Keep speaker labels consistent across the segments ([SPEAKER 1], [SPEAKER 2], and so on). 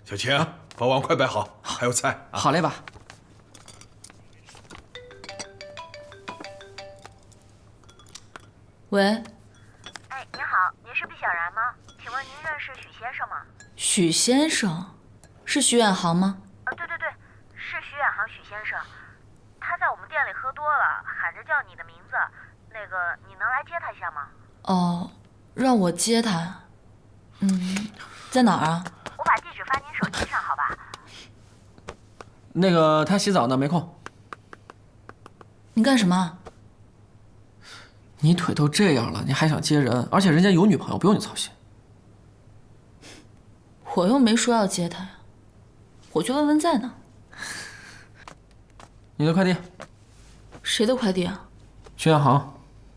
[SPEAKER 1] 小晴，把碗快摆好，还有菜啊。
[SPEAKER 2] 好嘞吧。
[SPEAKER 3] 喂。
[SPEAKER 4] 哎，您好，您是毕小然吗？请问您认识许先生吗？
[SPEAKER 3] 许先生，是许远航吗？
[SPEAKER 4] 对，是许远航许先生。他在我们店里喝多了，喊着叫你的名字。那个，你能来接他一下吗？
[SPEAKER 3] 哦，让我接他。在哪儿啊？
[SPEAKER 4] 我把地址发您手机上，好吧？
[SPEAKER 2] 那个他洗澡呢，没空。
[SPEAKER 3] 你干什么？
[SPEAKER 2] 你腿都这样了，你还想接人？而且人家有女朋友，不用你操心。
[SPEAKER 3] 我又没说要接他呀，我去问问在哪。
[SPEAKER 2] 你的快递。
[SPEAKER 3] 谁的快递啊？
[SPEAKER 2] 徐远航。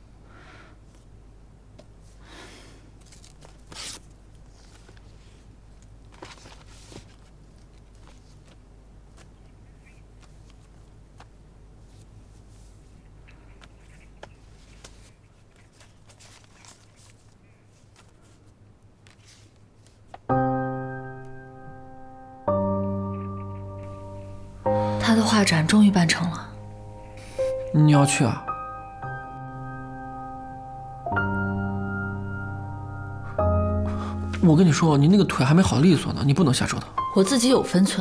[SPEAKER 3] 他的画展终于办成了。
[SPEAKER 2] 你要去啊？我跟你说，你那个腿还没好利索呢，你不能瞎折腾。
[SPEAKER 3] 我自己有分寸。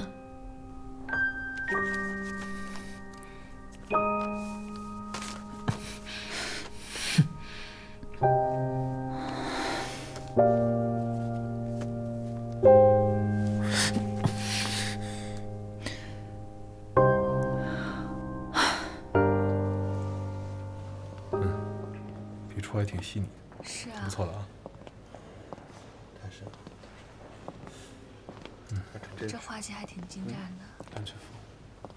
[SPEAKER 1] 笔触还挺细腻。
[SPEAKER 3] 是啊，
[SPEAKER 1] 不错了啊。
[SPEAKER 3] 这画技还挺精湛的。
[SPEAKER 1] 安全服。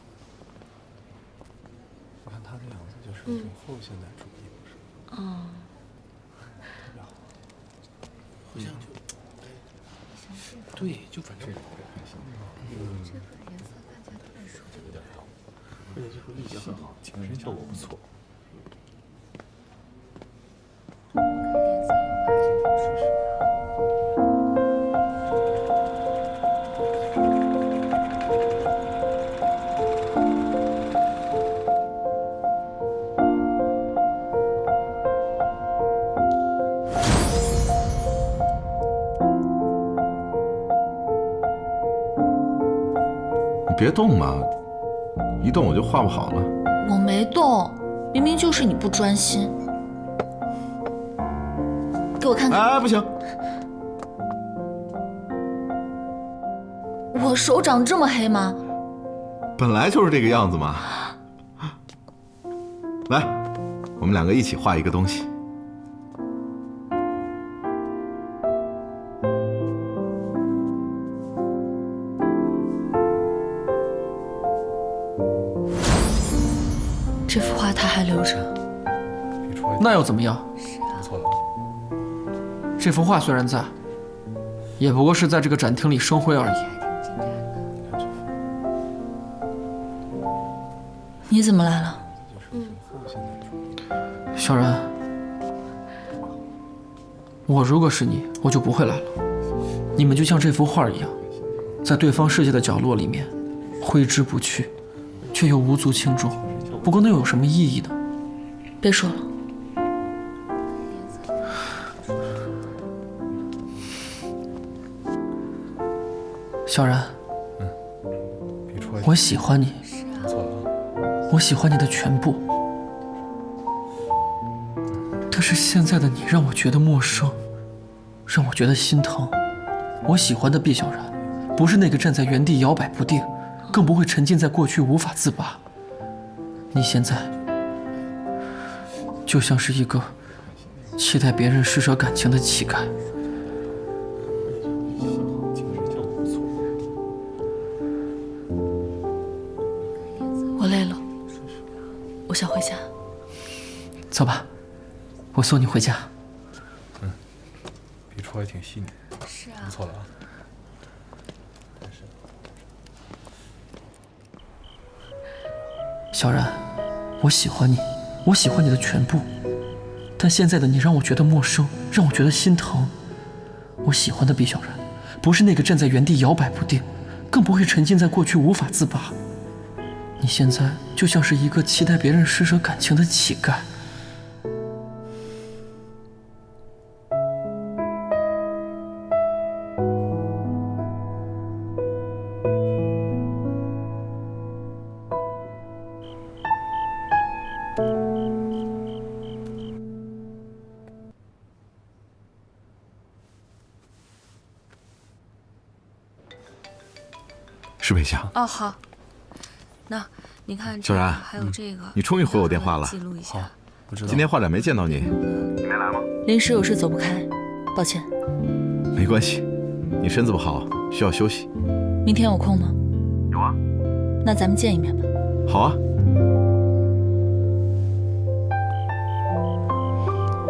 [SPEAKER 1] 你看他的样子，就是一种后现代主义，不是？特别好。好像就，对，就反正这个还行。
[SPEAKER 3] 这个颜色看起来特别熟，
[SPEAKER 1] 有点好，而且这个滤镜很好，景深效果不错。
[SPEAKER 5] 你别动嘛，一动我就画不好了。
[SPEAKER 3] 我没动，明明就是你不专心。给我看看。
[SPEAKER 5] 哎，不行，
[SPEAKER 3] 我手长这么黑吗？
[SPEAKER 5] 本来就是这个样子嘛。来，我们两个一起画一个东西。
[SPEAKER 3] 这幅画他还留着。
[SPEAKER 1] 笔触还
[SPEAKER 2] 那又怎么样？
[SPEAKER 1] 不错了啊。
[SPEAKER 2] 这幅画虽然在，也不过是在这个展厅里生灰而已。
[SPEAKER 3] 你怎么来了？
[SPEAKER 2] 小然，我如果是你，我就不会来了。你们就像这幅画一样，在对方世界的角落里面，挥之不去，却又无足轻重。不过那又有什么意义呢？
[SPEAKER 3] 别说了。
[SPEAKER 2] 小然，
[SPEAKER 1] 笔触还
[SPEAKER 2] 我喜欢你，
[SPEAKER 1] 不错了啊。
[SPEAKER 2] 我喜欢你的全部。但是现在的你让我觉得陌生，让我觉得心疼。我喜欢的毕小然，不是那个站在原地摇摆不定，更不会沉浸在过去无法自拔。你现在就像是一个期待别人施舍感情的乞丐。
[SPEAKER 1] 景深效果不错。
[SPEAKER 3] 我累了，我想回家。
[SPEAKER 2] 走吧，我送你回家。
[SPEAKER 1] 笔触还挺细腻。
[SPEAKER 3] 是啊
[SPEAKER 1] 不错了啊。
[SPEAKER 2] 小然，我喜欢你，我喜欢你的全部，但现在的你让我觉得陌生，让我觉得心疼。我喜欢的毕小然， 不是那个站在原地摇摆不定，更不会沉浸在过去无法自拔。你现在就像是一个期待别人施舍感情的乞丐。
[SPEAKER 5] 是北翔。
[SPEAKER 6] 哦，好。那你看，
[SPEAKER 5] 小然，
[SPEAKER 6] 还有这个，
[SPEAKER 5] 你终于回我电话了。
[SPEAKER 6] 记录一下。
[SPEAKER 1] 不知道。
[SPEAKER 5] 今天画展没见到你，你没来吗？
[SPEAKER 3] 临时有事走不开，抱歉。
[SPEAKER 5] 没关系，你身子不好，需要休息。
[SPEAKER 3] 明天有空吗？
[SPEAKER 5] 有啊。
[SPEAKER 3] 那咱们见一面吧。
[SPEAKER 5] 好啊。